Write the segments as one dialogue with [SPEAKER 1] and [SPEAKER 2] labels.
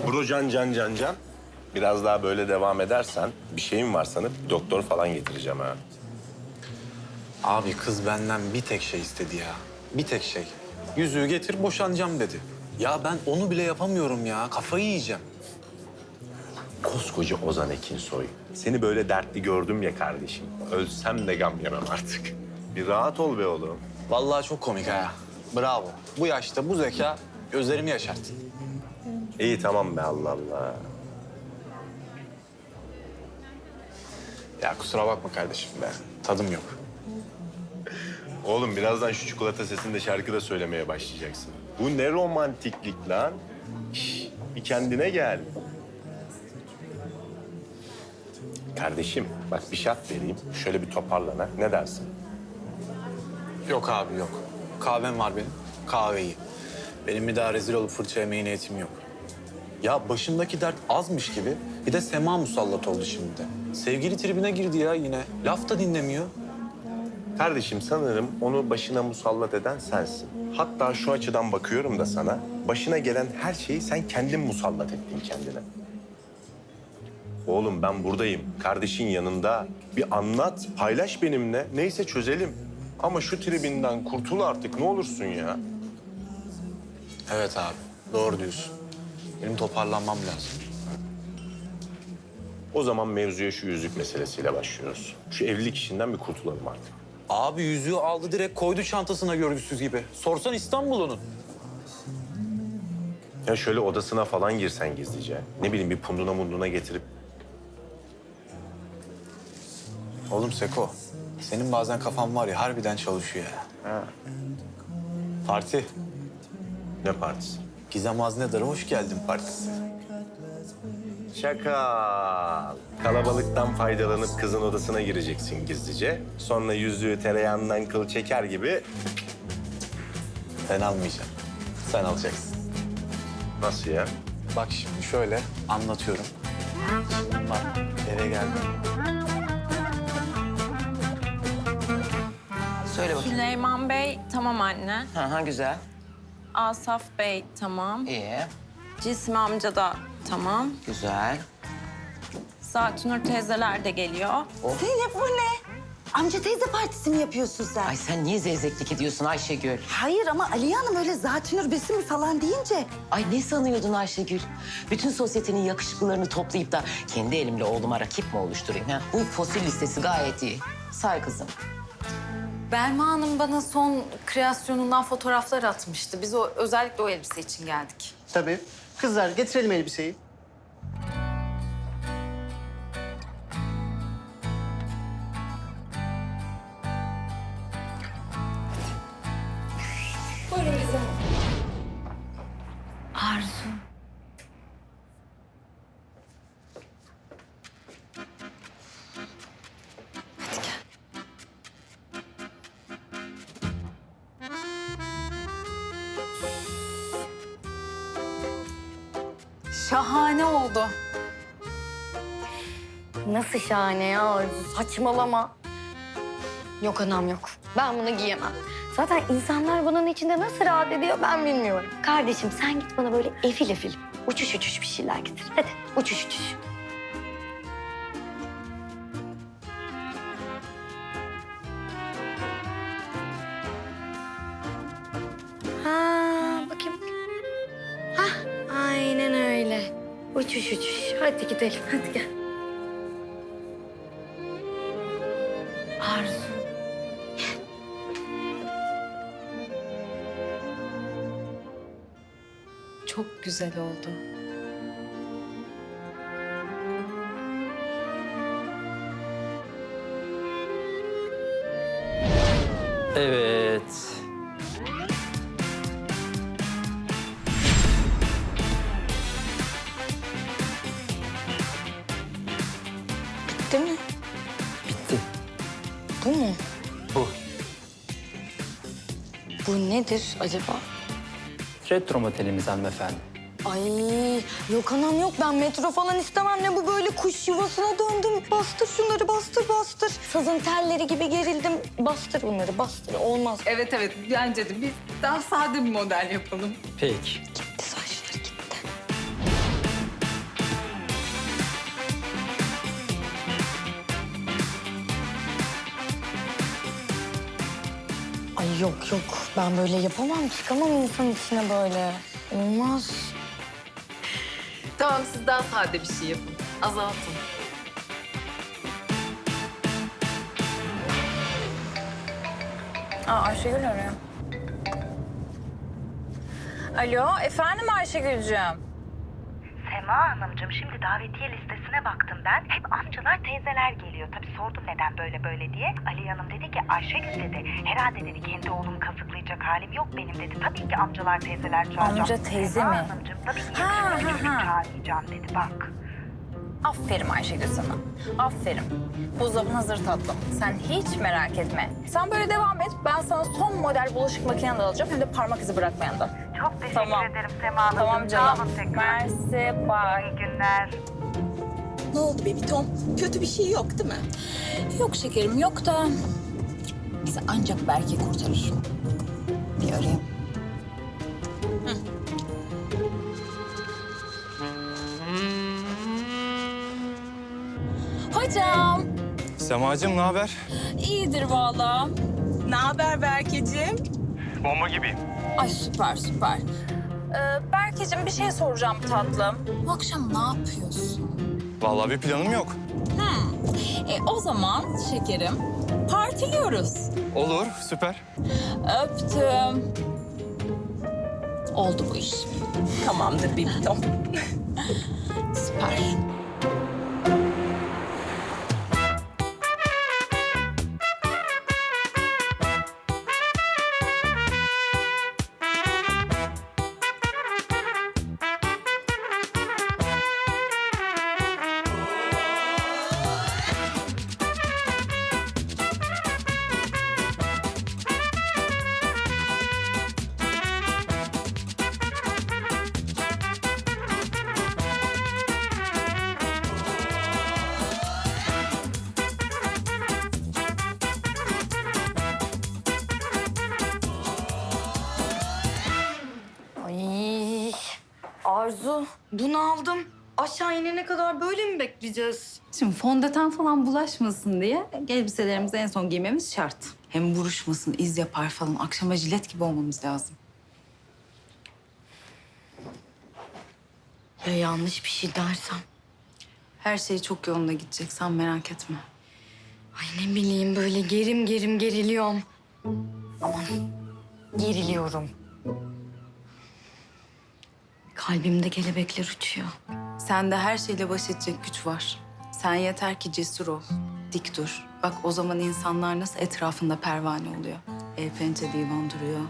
[SPEAKER 1] Bro can. Biraz daha böyle devam edersen bir şeyim var sanıp doktor falan getireceğim ha.
[SPEAKER 2] Abi kız benden bir tek şey istedi ya. Bir tek şey. Yüzüğü getir boşanacağım dedi. Ya ben onu bile yapamıyorum ya. Kafayı yiyeceğim.
[SPEAKER 1] Koskoca Ozan Ekinsoy. Seni böyle dertli gördüm ya kardeşim. Ölsem de gam yemem artık. Bir rahat ol be oğlum.
[SPEAKER 2] Vallahi çok komik ha. Bravo. Bu yaşta bu zeka gözlerimi yaşarttı.
[SPEAKER 1] İyi tamam be Allah Allah.
[SPEAKER 2] Ya kusura bakma kardeşim be. Tadım yok.
[SPEAKER 1] Oğlum birazdan şu çikolata sesinde şarkı da söylemeye başlayacaksın. Bu ne romantiklik lan? Şş, bir kendine gel. Kardeşim bak bir şart vereyim. Şöyle bir toparlan ha. Ne dersin?
[SPEAKER 2] Yok abi yok. Kahvem var benim. Kahveyi. Benim bir daha rezil olup fırça yemeye niyetim yok. Ya başımdaki dert azmış gibi bir de Sema musallat oldu şimdi de. Sevgili tribine girdi ya yine. Laf da dinlemiyor.
[SPEAKER 1] Kardeşim sanırım onu başına musallat eden sensin. Hatta şu açıdan bakıyorum da sana. Başına gelen her şeyi sen kendin musallat ettin kendine. Oğlum ben buradayım. Kardeşin yanında. Bir anlat, paylaş benimle. Neyse çözelim. Ama şu tribinden kurtul artık ne olursun ya.
[SPEAKER 2] Evet abi doğru diyorsun. Benim toparlanmam lazım.
[SPEAKER 1] O zaman mevzuya şu yüzük meselesiyle başlıyoruz. Şu evlilik işinden bir kurtulalım artık.
[SPEAKER 2] Abi yüzüğü aldı direkt koydu çantasına görgüsüz gibi. Sorsan İstanbul'un.
[SPEAKER 1] Ya şöyle odasına falan girsen gizlice. Ne bileyim bir punduna munduna getirip.
[SPEAKER 2] Oğlum Seko, senin bazen kafan var ya harbiden çalışıyor ya.
[SPEAKER 1] Ha.
[SPEAKER 2] Parti.
[SPEAKER 1] Ne partisi?
[SPEAKER 2] Gizem Haznedar'a hoş geldin partisi.
[SPEAKER 1] Şaka. Kalabalıktan faydalanıp kızın odasına gireceksin gizlice. Sonra yüzüğü tereyağından kıl çeker gibi.
[SPEAKER 2] Ben almayacağım. Sen alacaksın.
[SPEAKER 1] Nasıl ya?
[SPEAKER 2] Bak şimdi şöyle anlatıyorum. Şimdi bak eve geldim.
[SPEAKER 3] Söyle bakayım.
[SPEAKER 4] Süleyman Bey tamam anne.
[SPEAKER 3] Ha güzel.
[SPEAKER 4] Asaf Bey tamam.
[SPEAKER 3] İyi.
[SPEAKER 4] Cismi amca da tamam.
[SPEAKER 3] Güzel.
[SPEAKER 4] Zatunur teyzeler de geliyor.
[SPEAKER 5] Zeynep bu ne? Amca teyze partisi mi yapıyorsun sen?
[SPEAKER 3] Ay sen niye zevzeklik ediyorsun Ayşegül?
[SPEAKER 5] Hayır ama Aliye Hanım öyle Zatünür Besim falan deyince...
[SPEAKER 3] Ay ne sanıyordun Ayşegül? Bütün sosyetenin yakışıklılarını toplayıp da kendi elimle oğluma rakip mi oluşturayım? Ha? Bu fosil listesi gayet iyi. Say kızım.
[SPEAKER 6] Belma Hanım bana son kreasyonundan fotoğraflar atmıştı. Biz özellikle o elbise için geldik.
[SPEAKER 7] Tabii. Kızlar getirelim elbiseyi.
[SPEAKER 6] Arzu. Şahane oldu.
[SPEAKER 8] Nasıl şahane ya Arzu? Saçmalama. Yok anam yok. Ben bunu giyemem. Zaten insanlar bunun içinde nasıl rahat ediyor ben bilmiyorum. Kardeşim sen git bana böyle efil efil, uçuş uçuş bir şeyler getir. Hadi uçuş uçuş. Ha bakayım. Hah aynen öyle. Uçuş uçuş. Hadi gidelim hadi gel. Arzu.
[SPEAKER 6] Çok güzel oldu.
[SPEAKER 9] Evet.
[SPEAKER 8] Bitti mi?
[SPEAKER 9] Bitti.
[SPEAKER 8] Bu mu?
[SPEAKER 9] Bu.
[SPEAKER 8] Bu nedir acaba?
[SPEAKER 9] Retro motelimiz hanımefendi.
[SPEAKER 8] Ay yok anam yok ben metro falan istemem ne bu böyle kuş yuvasına döndüm. Bastır şunları bastır bastır. Sazın telleri gibi gerildim. Bastır bunları bastır olmaz.
[SPEAKER 6] Evet bence de biz daha sade bir model yapalım.
[SPEAKER 9] Peki.
[SPEAKER 8] Gitti saçları gitti. Yok yok ben böyle yapamam. Çıkamam insan içine böyle. Olmaz.
[SPEAKER 6] Tamam siz daha sade bir şey yapın. Azaltın.
[SPEAKER 10] Ayşegül arıyor. Alo, efendim Ayşegül'cüğüm.
[SPEAKER 5] Sema Hanımcığım şimdi davetiye listesine baktım ben. Hep amcalar teyzeler geliyor. Tabii sordum neden böyle diye. Ali Hanım dedi ki Ayşegül dedi. Herhalde dedi kendi oğlumu kazıklayacak halim yok benim dedi. Tabii ki amcalar teyzeler çağıracağım.
[SPEAKER 10] Amca teyze
[SPEAKER 5] Sema
[SPEAKER 10] mi?
[SPEAKER 5] Hanımcığım tabii ki
[SPEAKER 10] Ha,
[SPEAKER 5] yakışıklı birini
[SPEAKER 10] ha.
[SPEAKER 5] çağırmayacağım dedi bak.
[SPEAKER 10] Aferin Ayşegül sana. Aferin. Buzdolabın hazır tatlım. Sen hiç merak etme. Sen böyle devam et. Ben sana son model bulaşık makineni de alacağım. Hem de parmak izi bırakmayan da.
[SPEAKER 5] Çok teşekkür
[SPEAKER 10] Tamam.
[SPEAKER 5] ederim Sema Hanımcığım.
[SPEAKER 10] Tamam
[SPEAKER 5] Sağ
[SPEAKER 10] canım.
[SPEAKER 5] olun tekrar.
[SPEAKER 10] Mersi, bye.
[SPEAKER 5] İyi günler.
[SPEAKER 11] Ne oldu bebi Tom? Kötü bir şey yok değil mi?
[SPEAKER 10] Yok şekerim yok da bizi ancak belki kurtarır. Bir arayayım. Hocam,
[SPEAKER 2] Semacığım ne haber?
[SPEAKER 10] iyidir vallahi.
[SPEAKER 11] Ne haber Berkeciğim?
[SPEAKER 2] Bomba gibiyim.
[SPEAKER 10] Ay süper süper. Berkeciğim bir şey soracağım tatlım. Bu akşam ne yapıyorsun?
[SPEAKER 2] Vallahi bir planım yok.
[SPEAKER 10] O zaman şekerim partiliyoruz.
[SPEAKER 2] Olur, süper.
[SPEAKER 10] Öptüm. Oldu bu iş.
[SPEAKER 11] Tamamdır bebi Tom.
[SPEAKER 10] Süper.
[SPEAKER 8] Ay Arzu bunu aldım. Aşağı inene kadar böyle mi bekleyeceğiz?
[SPEAKER 6] Şimdi fondöten falan bulaşmasın diye elbiselerimizi en son giymemiz şart. Hem buruşmasın, iz yapar falan. Akşama jilet gibi olmamız lazım.
[SPEAKER 8] Ya yanlış bir şey dersem?
[SPEAKER 6] Her şey çok yolunda gidecek, sen merak etme.
[SPEAKER 8] Ay ne bileyim böyle gerim geriliyorum. Aman geriliyorum. Kalbimde kelebekler uçuyor.
[SPEAKER 6] Sende her şeyle baş edecek güç var. Sen yeter ki cesur ol, dik dur. Bak o zaman insanlar nasıl etrafında pervane oluyor. El pençe divan duruyor.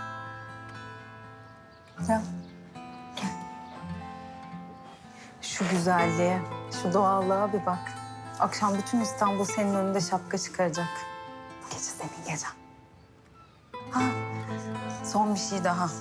[SPEAKER 6] Gel. Gel. Şu güzelliğe, şu doğallığa bir bak. Akşam bütün İstanbul senin önünde şapka çıkaracak. Bu gece senin gecen. Ha, son bir şey daha.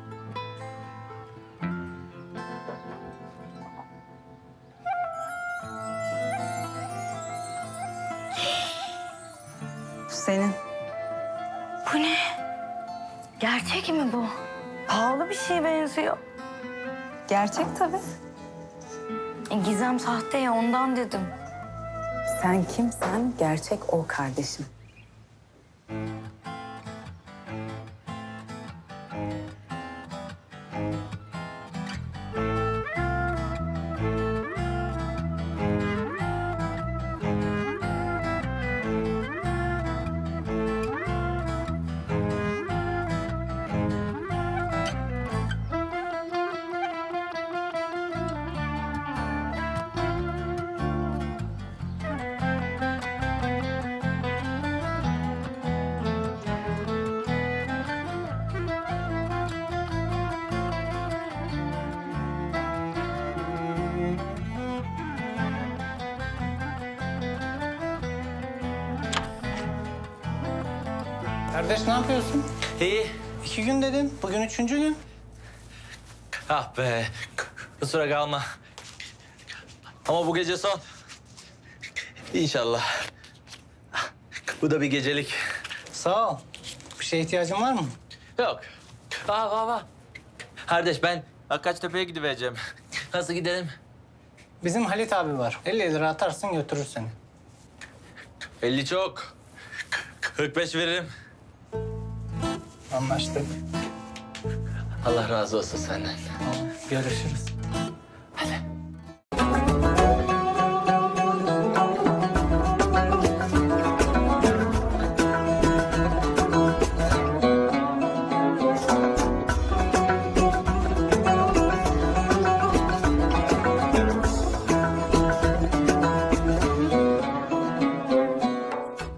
[SPEAKER 6] Bu senin.
[SPEAKER 8] Bu ne? Gerçek mi bu? Pahalı bir şeye benziyor.
[SPEAKER 6] Gerçek tabii.
[SPEAKER 8] Gizem sahte ya ondan dedim.
[SPEAKER 6] Sen kimsen gerçek o kardeşim.
[SPEAKER 7] Kardeş ne yapıyorsun?
[SPEAKER 9] İyi.
[SPEAKER 7] 2 gün dedin. Bugün 3. gün.
[SPEAKER 9] Ah be. Kusura kalma. Ama bu gece son. İnşallah. Bu da bir gecelik.
[SPEAKER 7] Sağ ol. Bir şeye ihtiyacın var mı?
[SPEAKER 9] Yok. Aa. Kardeş ben Akkaçtepe'ye gidivereceğim. Nasıl gidelim?
[SPEAKER 7] Bizim Halit abi var. 50 lira atarsın götürür seni.
[SPEAKER 9] 50 çok. 45 veririm.
[SPEAKER 7] Anlaştık.
[SPEAKER 9] Allah razı olsun senden.
[SPEAKER 7] Tamam, görüşürüz.